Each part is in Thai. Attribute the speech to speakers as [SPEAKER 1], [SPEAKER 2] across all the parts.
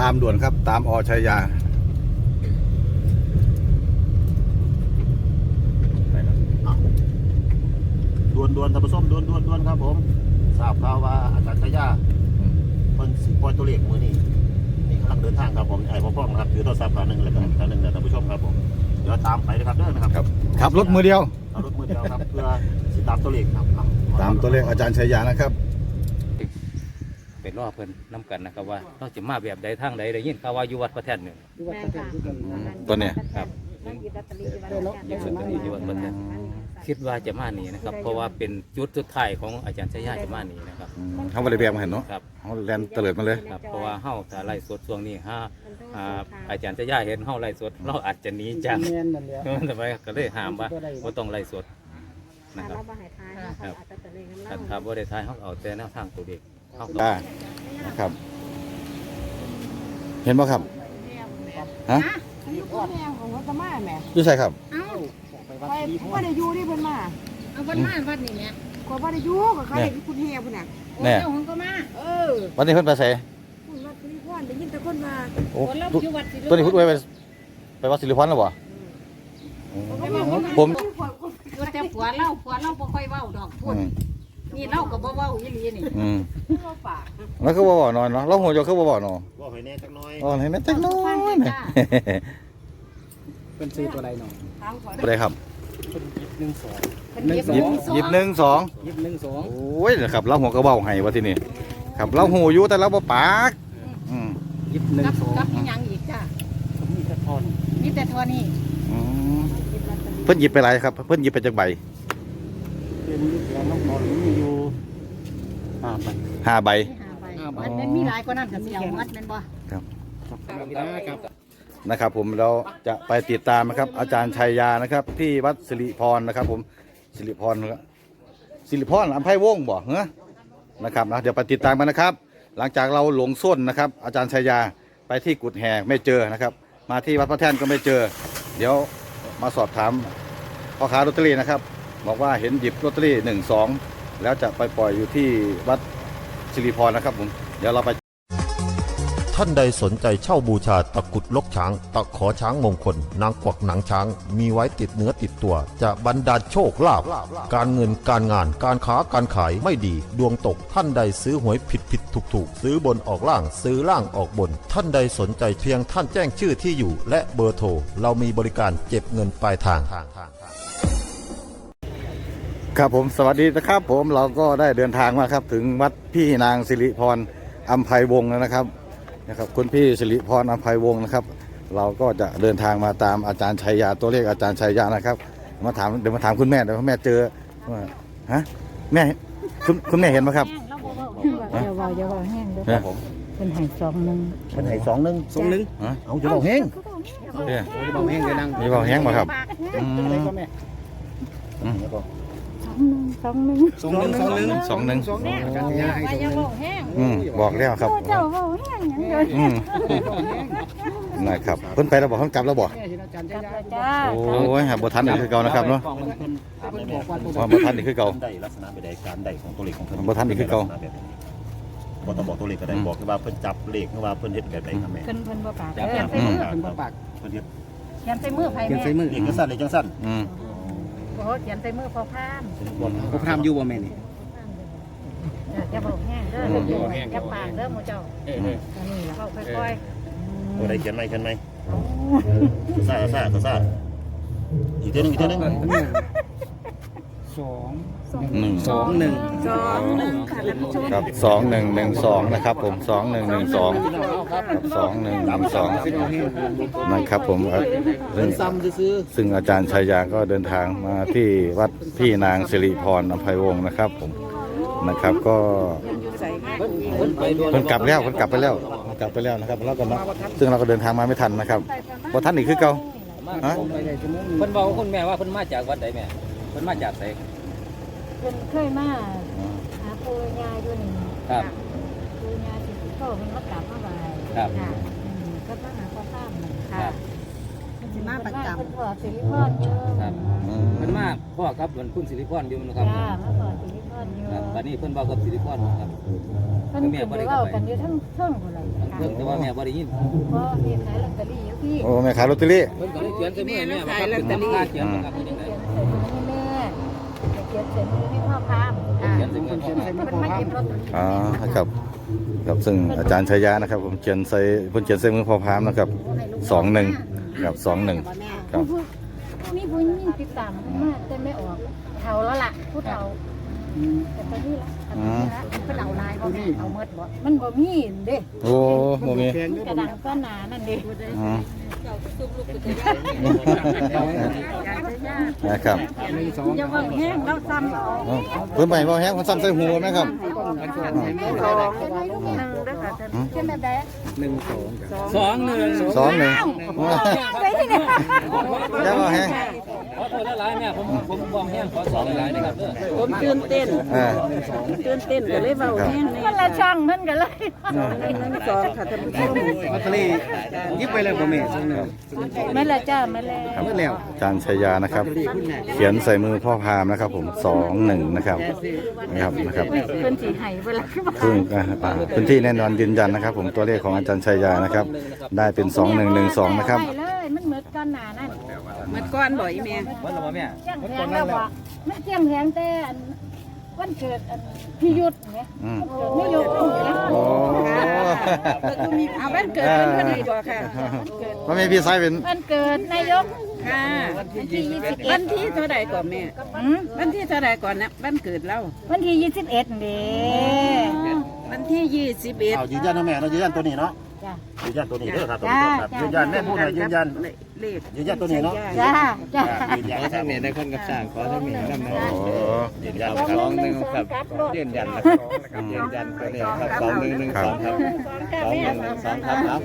[SPEAKER 1] ามด่วนครับตามอชัยยา
[SPEAKER 2] ด่วนท่านผู้ชมด่วนครับผมทราบข่าวว่าอาจารย์ชัยยาเพิ่นสิปล่อยตัวเลขมื้อนี้นี่กำลังเดินทางครับผมไอ้พ่อครับถือโทรศัพท์หนึ่งแล้วก็อีกหนึ่งนะท่านผู้ชมครับผมเดี๋ยวตามไปนะครับเด้อนะครับ
[SPEAKER 1] ขับรถมือเดียว
[SPEAKER 2] เอารถมือเดียวครับเพื่อสิตามตัวเลขครับ
[SPEAKER 1] ตามตัวเลขอาจารย์ชัยยานะครับ
[SPEAKER 3] เป็นรอเพิ่นน้ำกันนะครับว่าเราจะมาแบบใดทางใดได้ยินข่าวว่าอยู่วัดพระแท่นหนึ่ง
[SPEAKER 1] ตัวเนี้ย
[SPEAKER 3] ครับอยู่วัดพระแท่นคิดว่าจะมานี้นะครับเพราะว่าเป็นจุดสุดท้ายของอาจารย์ชัยยาจะมานี้นะครับ
[SPEAKER 1] เขาไม่ได้แบบมาเห็นเนาะ
[SPEAKER 3] ครับ
[SPEAKER 1] เขาแลนเตลิดมาเลย
[SPEAKER 3] ครับเพราะว่าเฮาถ้าไล่สดช่วงนี้อาจารย์ชัยยาเห็นเฮาไล่สดเราอาจจะหนีจากทำไมก็เลยห้ามว่าบ่ต้องไล่สดนะครับครับถ้าบ่ได้ทายเฮาเอาแต่แนวทางตัวเด็กเฮา
[SPEAKER 1] ได้นะครับเห็นป่ะครับฮะอยู่ใช่ครับ
[SPEAKER 4] ไปว่าได้อยู่ที่เพิ่นมา
[SPEAKER 5] เอาเพิ่นมาวัดนี่แม่
[SPEAKER 4] ก็ว่าได้อยู่กับใครคุณเฮียพุ่นน่ะ
[SPEAKER 1] แน่
[SPEAKER 5] ก็มา
[SPEAKER 1] วันนี้เพิ่นไปใส่
[SPEAKER 4] คุณวัดสิริพรได้ยินแต่คนมา
[SPEAKER 1] โอ้ตัวนี้พูดไว้ไปวัดสิริพรแล้วบ่ผม
[SPEAKER 5] แต่ผัวเล่าบ่ค่อยเว้าดอกพูดนี่เล่าก็บ่เว้าอีหลีนี่
[SPEAKER 1] แล้วคือบ่บ่นอนเนาะเราหัวจะคือบ่บ่นอน
[SPEAKER 2] บ่ให้แน่จักน้อย
[SPEAKER 1] ให้แน่จักน้อย
[SPEAKER 6] เป็นซื้อตัวใดหน่อย
[SPEAKER 1] ตัวใดครับหยิบ12โอ้ยนะครับเราหัวกระเบ้าให้ว่าที่นี่ครับเราหูอยู่แต่เราบ่ปาก
[SPEAKER 5] หยิบ12กับยังอีกจ้ามีแต่ทอนนี่
[SPEAKER 1] เพิ่นหยิบไปหลายครับเพิ่นหยิบไปจากใบ
[SPEAKER 6] เป็นแล้วน้องนอนมีอยู่
[SPEAKER 1] 5 ใบ
[SPEAKER 5] มันมีหลายกว่านั้นก็สิเอามัดแม่นบ่
[SPEAKER 1] ครับนะครับผมเราจะไปติดตามนะครับอาจารย์ชัยยานะครับที่วัดสิริพรนะครับผมสิริพรอัมไพวงศ์บ่เหรอนะครับนะเดี๋ยวไปติดตามกันนะครับหลังจากเราหลงส้นนะครับอาจารย์ชัยยาไปที่กุดแห่ไม่เจอนะครับมาที่วัดพระแท่นก็ไม่เจอเดี๋ยวมาสอบถามพ่อค้าลอตเตอรี่นะครับบอกว่าเห็นหยิบลอตเตอรี่12แล้วจะไปปล่อยอยู่ที่วัดสิริพรนะครับผมเดี๋ยวเราไป
[SPEAKER 7] ท่านใดสนใจเช่าบูชาตะกุดลกช้างตะขอช้างมงคลนางกวักหนังช้างมีไว้ติดเนื้อติดตัวจะบรรดาลโชคลาภการเงินการงานการค้าการขายไม่ดีดวงตกท่านใดซื้อหวยผิดถูกซื้อบนออกล่างซื้อล่างออกบนท่านใดสนใจเพียงท่านแจ้งชื่อที่อยู่และเบอร์โทรเรามีบริการเก็บเงินปลายทาง
[SPEAKER 1] ครับผมสวัสดีนะครับผมเราก็ได้เดินทางมาครับถึงวัดพี่นางสิริพรอัมไพวงศ์นะครับคุณพี่สิริพรอัมไพวงศ์นะครับเราก็จะเดินทางมาตามอาจารย์ชัยยาตัวเลขอาจารย์ชัยยานะครับเดี๋ยวมาถามคุณแม่เดี๋ยวแม่เจอว่าฮะแม่คุณแม่เห็นไหมครับ
[SPEAKER 4] อย่าว่าแห้งเด้อเป็นไห้21
[SPEAKER 6] เป็นไห้21เอาจะบอกแห้งจะบอกแห้งเลยนั่ง
[SPEAKER 1] มีบอกแห้งมาครับบอกแล้วครับนะครับเพิ่นไปแล้วบอกเพิ่นกลับแล้วบอกโอ้ยบ่ทันอีกคือเก่านะครับเนาะบ่ทันอีกคือเก่า
[SPEAKER 2] ได้ลักษณะใดการใดของตัวเลขของเพิ่น
[SPEAKER 1] บ่ทันอีกคือเก่า
[SPEAKER 2] บ่ต้องบอกตัวเลขก็ได้บอกว่าเพิ่นจับเลขว่าเพิ่นเฮ็ดแบบใดครับแม่
[SPEAKER 5] เพิ่นบ่ปากเพิ่นบ่ปาก
[SPEAKER 2] เพิ่นเฮ็ด
[SPEAKER 5] เขียนใส่มือไผแม่
[SPEAKER 2] เลขจังซั่นเลขจังซั่น
[SPEAKER 5] โอ้เขียนใส่มือพอพ
[SPEAKER 6] ามอยู่บ่แม่นี่
[SPEAKER 5] จะบอกแห้งเด้อจะปากเด้อหมู่เจ้าอันนี้แล้วก็ค่อย
[SPEAKER 2] ๆตัวใดเขียนไหมซ่าอีกเท่านึง
[SPEAKER 1] ครับ2112นะครับผม2112ครับ2112นะครับผมซึ่งอาจารย์ชัยยาก็เดินทางมาที่วัดพี่นางสิริพรอัมไพวงศ์นะครับผมนะครับก็เพิ่นกลับไปแล้วนะครับแล้วก็ซึ่งเราก็เดินทางมาไม่ทันนะครับพอท่านอีกคือเก่า
[SPEAKER 3] ฮะเพิ่นบอกคุณแม่ว่าเพิ่นมาจากวัดใดแม่เพิ่นมาจากไส
[SPEAKER 4] เพิ่นเคยมาหาปู่ย่าอยู่นี่
[SPEAKER 3] ครับ
[SPEAKER 4] ปู่ย่าสิโตเพิ่นมากราบมาไหว้
[SPEAKER 3] ครับ
[SPEAKER 4] ก็มาหาพ่อตาม
[SPEAKER 5] ค่ะสิมาประจเป็นพ่อสิริพรอยู่
[SPEAKER 3] ครับเพิ่นมาพ่อครับเหมือนคุณสิริพรอยู่นะครับ
[SPEAKER 5] จ้ามาพ่อสิริพรอยู่
[SPEAKER 3] ครับบัดนี้เพิ่นเว้ากับสิริพรครับ
[SPEAKER 5] เพิ่นขึ้นไปเว้ากันอยู่ทั้งเทิงพุ่นล่ะค่ะ
[SPEAKER 3] เพิ่นแต่ว่าแม่บ่ได้ยิน
[SPEAKER 5] พ่อเฮ็ดขายลอตเตอรี่อยู่พี่
[SPEAKER 1] โอ้แม่ขายลอตเตอรี่
[SPEAKER 3] เพิ่นก็เลยเขียนใส่มือแม่ว่าครับเป็นตำราเขียนนะครับเป็นจังได๋
[SPEAKER 5] เขียนใส่มือให้แม่เขียนใส่มือให้พ่อพาม
[SPEAKER 3] เขียนใส่มือพ่อครับ
[SPEAKER 5] มันมาหยิบลอตเตอรี่
[SPEAKER 1] อ๋อครับครับซึ่งอาจารย์ชัยยะนะครับผมเขียนใส่เพิ่นเขียนใส่มือพ่อพามนะครับ21ครับ21ครับ
[SPEAKER 5] มีผู้หญิงติดตามมาแต่ไม่ออกเฒ่าแล้วล่ะผู้เฒ่าแต่ตอนนี้ละอันนี้ละเพิ่นเอาลายบ่แม่เอาหมดบ่มันบ่มีเด้
[SPEAKER 1] โอ้บ่มี
[SPEAKER 5] กระดังก็หนานั่นเด้
[SPEAKER 1] อืมนะครับ
[SPEAKER 5] อย่าว่าแห้งเราซ้ำเอา
[SPEAKER 1] อ๋อเพิ่นไปบ่แฮงมันซ้ำใส่หูไหมครับ
[SPEAKER 5] 1เด้อค่ะท่านเขียนแบบใด
[SPEAKER 3] 21
[SPEAKER 1] 21
[SPEAKER 5] ได้ที่ไหน
[SPEAKER 1] แล้วบ่แฮง
[SPEAKER 3] ขอโทษหลายๆแม่ผมบอกแห้งขอสองหลายๆนะครับเด้อ
[SPEAKER 8] ผมตื่นเต้น
[SPEAKER 1] อ่า
[SPEAKER 8] ตื่นเต้นก็เลยเว้าแห้ง
[SPEAKER 5] มันละช่างมันก็เลย
[SPEAKER 8] 1 2ค่ะท่านผู้ชม
[SPEAKER 6] ลอตเตอรี่ยิบไปเลยบ่แม่2
[SPEAKER 5] แม่ละจ้าแม่ละ
[SPEAKER 1] ครับอาจารย์ชัยยานะครับ เขียนใส่มือพ่อพามนะครับผม21นะครับนะครับ
[SPEAKER 5] เพิ่นสิให้เวลา
[SPEAKER 1] ซึ่งพื้นที่แน่นอนยืนยันนะครับ ผมตัวเลขของอาจารย์ชัยยานะครับ ได้เป็น2112นะครับ
[SPEAKER 5] ไปเลยมันเหมือนกันหนานั่น
[SPEAKER 8] เมื่อก่อนบ่อีแม่
[SPEAKER 3] วันละบ่แม่
[SPEAKER 5] เจียงแพงแล้วบ่มันเจียงแพงแต่อันวันเกิดอันพี่ยุทธเนี่ย
[SPEAKER 1] อืม
[SPEAKER 5] ไม่ยกเนี่ย
[SPEAKER 1] โอ้
[SPEAKER 8] เอาวันเกิดเพิ่นพอดีบ่ค่ะ
[SPEAKER 1] ว่าไม่พี่ไซเป็น
[SPEAKER 5] วันเกิดนายก
[SPEAKER 8] ค่ะ
[SPEAKER 5] วันที่21
[SPEAKER 8] วันที่เท่าใดก่อนแม่วันที่เท่าใดก่อนนะวันเกิดเรา
[SPEAKER 5] วันที่21เด้
[SPEAKER 8] วันที่
[SPEAKER 2] เอายืนยันนะแม่เรายืนยันตัวนี้เนาะ
[SPEAKER 5] จ้ะ
[SPEAKER 2] ยืนยันตัวนี้เด้อครับท่านผู้ชมครับยืนยันแม่พูดหน่อยยืนยัน
[SPEAKER 8] เลข
[SPEAKER 2] ยืนยันตัวนี้เนาะ
[SPEAKER 5] จ้าจ้า
[SPEAKER 2] ยืนยันครับ
[SPEAKER 6] ได้คนกับสร้างขอทั้งแม่นำนะ
[SPEAKER 1] โอ้
[SPEAKER 2] ยืนยันครับ
[SPEAKER 6] 21ครับยืนยันนะครับยืนยันตัวนี้ครับ2112ครับ2112ครับ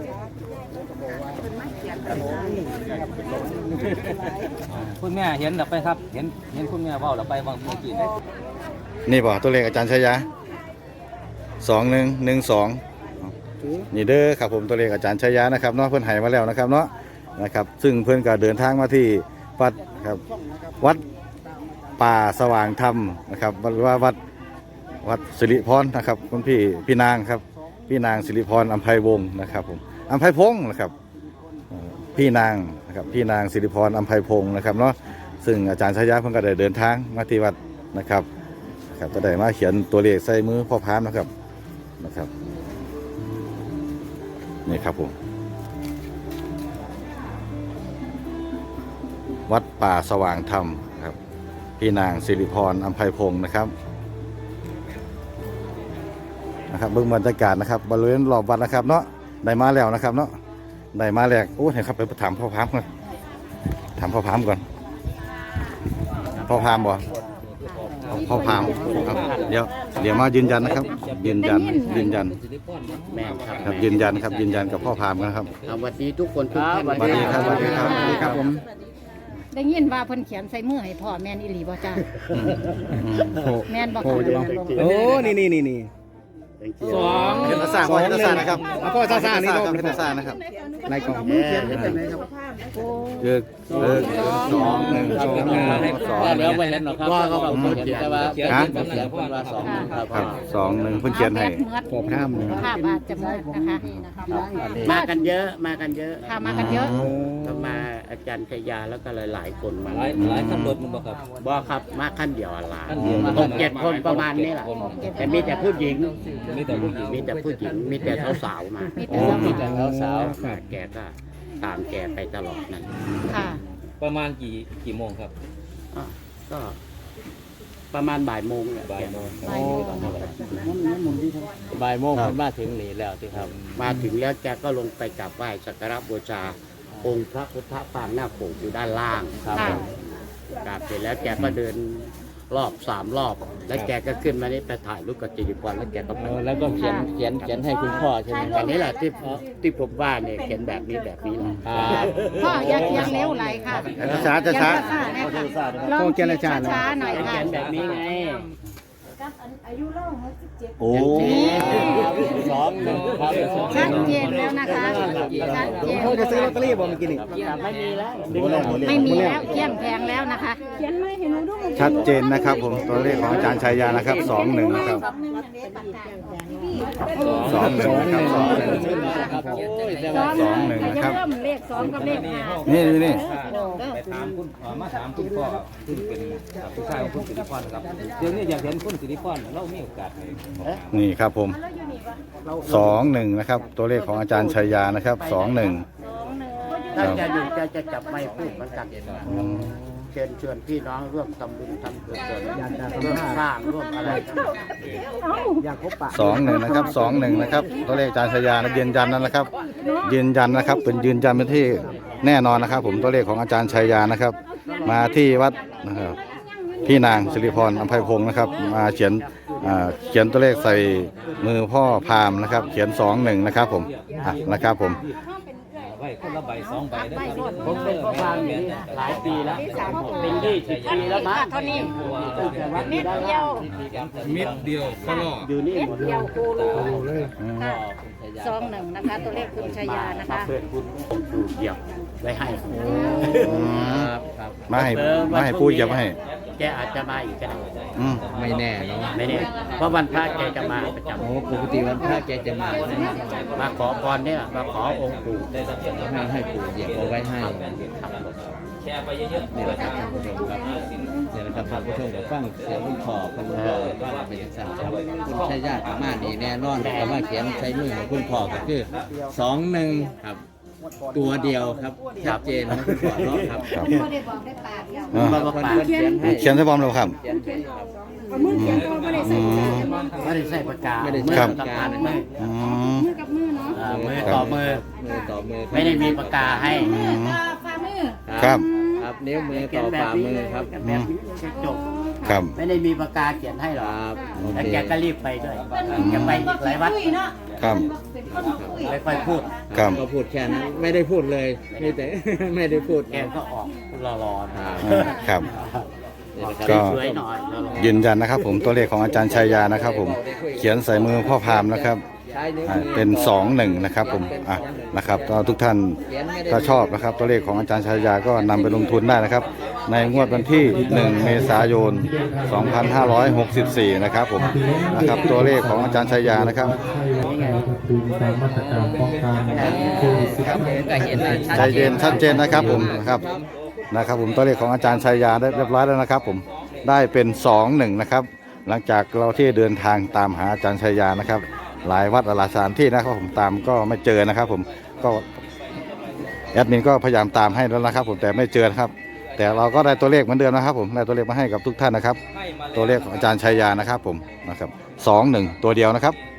[SPEAKER 3] คุณแม่เห็นแล้วไปครับเห็นคุณแม่เว้าแล้วไปบางเมื่อกี้เนี่ย
[SPEAKER 1] นี่ป่ะตัวเลขอาจารย์ชัยยา2112นี่เด้อครับผมตัวเลขอาจารย์ชัยยานะครับเนาะเพิ่นให้มาแล้วนะครับเนาะนะครับ ซึ่งเพิ่นก็เดินทางมาที่วัดครับวัดป่าสว่างธรรมนะครับหรือว่าวัดสิริพรนะครับคุณพี่นางครับพี่นางสิริพรอำไพวงศ์นะครับผมอำไพพงศ์นะครับพี่นางนะครับพี่นางสิริพรอำไพพงศ์นะครับเนาะซึ่งอาจารย์ชัยยาเพิ่นก็ได้เดินทางมาที่วัดนะครับก็ได้มาเขียนตัวเลขใส่มือพ่อพามนะครับนี่ครับผมวัดป่าสว่างธรรมครับพี่นางสิริพรอำไพพงศ์นะครับเบื้องบรรยากาศนะครับบริเวณรอบวัดนะครับเนาะได้มาแล้วนะครับเนาะได้มาแล้วโอ้เห็นครับไปถามพ่อพามก่อนถามพ่อพามก่อนพ่อพามบ่พ่อพามครับเดี๋ยวมายืนยันนะครับยืนยัน
[SPEAKER 6] แม่ครับ
[SPEAKER 1] ครับยืนยันครับยืนยันกับพ่อพามนะครับ
[SPEAKER 6] สวัสดีทุกคนทุกท่าน
[SPEAKER 1] สวัสดีครับสวัสดีครับสวัสดีครับผม
[SPEAKER 5] ได้ยินว่าเพิ่นเขียนใส่มือให้พ่อแม่นอีหลีบ่จ้าแม่นบ่ค่ะ
[SPEAKER 6] โอ้นี่
[SPEAKER 3] สอง
[SPEAKER 1] เห็นภาษาพ่อเห็นภาษานะครับ
[SPEAKER 6] เอาพ่อซ่าๆนี่
[SPEAKER 1] เห็นภาษานะครับ
[SPEAKER 6] ในกล่อง
[SPEAKER 1] คือ2112
[SPEAKER 3] แล้วไปเห็นหรอครับ
[SPEAKER 6] ว่าเขาเขียนแต่ว่า
[SPEAKER 3] เขียนเป็นเสียงเพิ่นว่าสอง
[SPEAKER 1] ครับ21เพิ่นเขียนให้
[SPEAKER 6] พอพร่ำ
[SPEAKER 5] ภาพอาจจะมืดนะคะ
[SPEAKER 8] มากันเยอะ
[SPEAKER 5] ค่ะมากันเยอะ
[SPEAKER 8] ก็มาอาจารย์ชยาแล้วก็หลายๆคนมา
[SPEAKER 3] หลายคันรถมันบ่ครับ
[SPEAKER 8] บ่ครับมาขั้นเดียวหลาย
[SPEAKER 3] คันเดียว
[SPEAKER 8] 6-7 คนประมาณนี้แหละแต่มีแต่ผู้หญิง
[SPEAKER 3] มีแต่ผู้หญิง
[SPEAKER 8] มีแต่ผู้หญิงมีแต่สาวๆมา
[SPEAKER 5] มีแต่สาว
[SPEAKER 8] แกก็ตามแกไปตลอดนั่น
[SPEAKER 5] ค่ะ
[SPEAKER 3] ประมาณกี่โมงครับ
[SPEAKER 8] ก็ประมาณบ่ายโมงเนี่ย
[SPEAKER 3] บ่ายโมง
[SPEAKER 5] บ่ายโมง
[SPEAKER 6] บ่ายโมงมันมาถึงนี่แล้วที่ครับ
[SPEAKER 8] มาถึงแล้วแกก็ลงไปกราบไหว้สักการะบูชาองค์พระพุทธปางหน้าโขงอยู่ด้านล่าง
[SPEAKER 5] ค่ะ
[SPEAKER 8] กราบเสร็จแล้วแกก็เดินรอบ3 รอบ แล้วแกก็ขึ้นมานี่ไปถ่ายรูปกับจิริพรแล้วแกก็ไป
[SPEAKER 6] แล้วก็เขียนให้คุณพ่อใช่ไหม
[SPEAKER 8] อันนี้แหละที่ผมว่าเนี่ยเขียนแบบนี้แบบนี้แหละ
[SPEAKER 5] พ่ออย่าเขียนเร็วไหลค่ะ
[SPEAKER 1] ช้าช้า
[SPEAKER 5] ลองเขียนช้าๆหน่อย
[SPEAKER 8] เขี
[SPEAKER 5] ค่ะ
[SPEAKER 8] ยนแบบนี้ไง
[SPEAKER 5] กอายุเล่า17
[SPEAKER 1] โอ้
[SPEAKER 6] สองหนึ่งครับ
[SPEAKER 5] ชัดเจนแล้วนะคะชัดเจน
[SPEAKER 6] เขาจะซื้อลอตเตอรี่บ่เมื่อกี้นี่
[SPEAKER 8] ไม่มีแล้ว
[SPEAKER 5] ไม่มีแล้วเที่ยงแพงแล้วนะคะเขียนไม่เห็นดู
[SPEAKER 1] ชัดเจนนะครับผมตัวเลขของอาจารย์ชัยยานะครับ21นะครับ21นะครับ
[SPEAKER 6] ครับโอ้ยแต่
[SPEAKER 5] ส
[SPEAKER 6] ว่า
[SPEAKER 5] องหนึ่งนะครับเริ่มเลข2กับเลข5
[SPEAKER 1] นี่นี่
[SPEAKER 3] ไปถามคุณมาถามคุณพ่อซึ่งเป็นผู้ชายของคุณสิริพรนะครับเดี๋ยวนี้อยากเห็นคุณสิริพรเรามีโอกาสให้
[SPEAKER 1] นี่ครับผม21นะครับตัวเลขของอาจารย์ชัยยานะครับ21
[SPEAKER 8] ถ้าจะอยู่จะจับไม้พูดเหมือนกันเชิญชวนพี่น้องร่วมทำบุญทำกุศลร่วมสร้างร่วมอะไร
[SPEAKER 1] 21นะครับ21นะครับตัวเลขอาจารย์ชัยยานะยืนยันนั่นนะครับยืนยันนะครับเป็นยืนยันเป็นที่แน่นอนนะครับ ผมตัวเลขของอาจารย์ชัยยานะครับ มาที่วัดนะครับพี่นางสิริพรอำไพพงศ์นะครับมาเขียนตัวเลขใส่มือพ่อพราหมณ์นะครับ เขียน21นะครับผมนะครับผม
[SPEAKER 3] ไว้คนละใบ2ใบได้ครับ
[SPEAKER 8] ผมเป็นพ่อพานอยู่นี่หลายปีแล้วเป็น20 ปีแล้วมั้ง
[SPEAKER 5] เท่านี้
[SPEAKER 8] ตั้งแต่วัด
[SPEAKER 5] เม็
[SPEAKER 8] นี้
[SPEAKER 5] ด
[SPEAKER 8] ได้
[SPEAKER 5] เดียว
[SPEAKER 3] เม็ดเดียวก็รอ
[SPEAKER 8] อยู่นี่
[SPEAKER 5] เม็ด
[SPEAKER 8] หมดเล
[SPEAKER 5] เดี
[SPEAKER 8] ย
[SPEAKER 5] ยวโคโลค่ะ21นะคะตัวเลขคุณชายานะคะ
[SPEAKER 8] เพื่อนคุณผมดูเดียวไว้ให้
[SPEAKER 1] มาให้ผู้เหยียบให้
[SPEAKER 8] แกอาจจะมาอีกก็ได้
[SPEAKER 1] อืม
[SPEAKER 6] ไม่แน่เนาะ
[SPEAKER 8] ไม่แน่เพราะวันพระแกจะมาประจำ
[SPEAKER 6] โอ้ปกติวันพระแกจะมา
[SPEAKER 8] มาขอพรเนี่ยมาขอองค์ปู่
[SPEAKER 6] ให้ปู่เหยียบเอาไว้ให้
[SPEAKER 3] แชร์ไปเยอะๆ
[SPEAKER 6] นี่แหละครับท่านผู้ชมครับนี่แหละครับท่านผู้ชมกับฟังเสียงคุณพ่อคุณพ่อว่าเป็นสั่งครับคุณชัยญาติมานี่แน่นอนแต่ว่าเขียนใช้มือของคุณพ่อก็คือ21ครับตัวเดียวครับชัดเจนนะคุณพ่อเนาะครับ
[SPEAKER 1] ครับ
[SPEAKER 5] ไม่ได้บอกได้ปากเดียว
[SPEAKER 1] อ่า
[SPEAKER 8] มาปาก
[SPEAKER 6] เขียนให้
[SPEAKER 1] เขียนใส่บอมแล้วครับ
[SPEAKER 6] เขียนให้ครับ
[SPEAKER 5] เอามือเขียนตัวไม่ได้ใส่มือ
[SPEAKER 8] ไม่ได้ใส่ปากกา
[SPEAKER 6] ไม่ได้
[SPEAKER 8] มือ
[SPEAKER 6] ใส่
[SPEAKER 8] กับ
[SPEAKER 6] ปากกา
[SPEAKER 8] ปากไม่
[SPEAKER 1] อืม
[SPEAKER 5] มือกับมือเนาะ
[SPEAKER 8] มือต่อมือ
[SPEAKER 6] มือต่อมือ
[SPEAKER 8] ไม่ได้มีปากกาให้
[SPEAKER 5] ฝ่ามือ
[SPEAKER 1] ครับ
[SPEAKER 6] ครับนิ้วมือต่อฝ่ามือครับ
[SPEAKER 8] แบบนี้จบ
[SPEAKER 1] ครับ
[SPEAKER 8] ไม่ได้มีปากกาเขียนให้หร
[SPEAKER 6] ค
[SPEAKER 8] อก
[SPEAKER 6] รับโอ
[SPEAKER 8] แล้ว
[SPEAKER 6] เค
[SPEAKER 8] แกก็รีบไปด้วยแกไปอีกหลายวัด
[SPEAKER 1] ครับ
[SPEAKER 8] ไม่ค่อยพูด
[SPEAKER 1] ครับ
[SPEAKER 6] ก็พูดแค่นั้นไม่ได้พูดเลยมีแต่ ไม่ได้พูด
[SPEAKER 8] แกก็ออกรอๆ
[SPEAKER 6] ครับ
[SPEAKER 1] ครับ
[SPEAKER 8] ก็
[SPEAKER 1] ก็
[SPEAKER 8] สวยหน่อยรอ
[SPEAKER 1] ยืนยันนะครับ ผมตัวเลขของอาจารย์ชัยยานะครับผมเขียนใส่มือพ่อพราหมณ์นะครับ
[SPEAKER 6] ใช้นิ้ว
[SPEAKER 1] เป็น21นะครับผมนะครับก็ทุกท่านถ้าชอบนะครับตัวเลขของอาจารย์ชัยยาก็นำไปลงทุนได้นะครับ ในงวดวันที่ 1 เมษายน 2564 นะครับผมนะครับตัวเลขของอาจารย์ชัยยานะครับ ใจเย็นชัดเจนนะครับผมนะครับผมตัวเลขของอาจารย์ชัยยาได้เรียบร้อยแล้วนะครับผมได้เป็น21นะครับหลังจากเราที่เดินทางตามหาอาจารย์ชัยยานะครับหลายวัดหลายสถานที่นะครับผมตามก็ไม่เจอนะครับผมก็แอดมินก็พยายามตามให้แล้วนะครับผมแต่ไม่เจอนะครับแต่เราก็ได้ตัวเลขเหมือนเดิมนะครับผมได้ตัวเลขมาให้กับทุกท่านนะครับตัวเลขของอาจารย์ชัยยานะครับผมนะครับ21ตัวเดียวนะครับ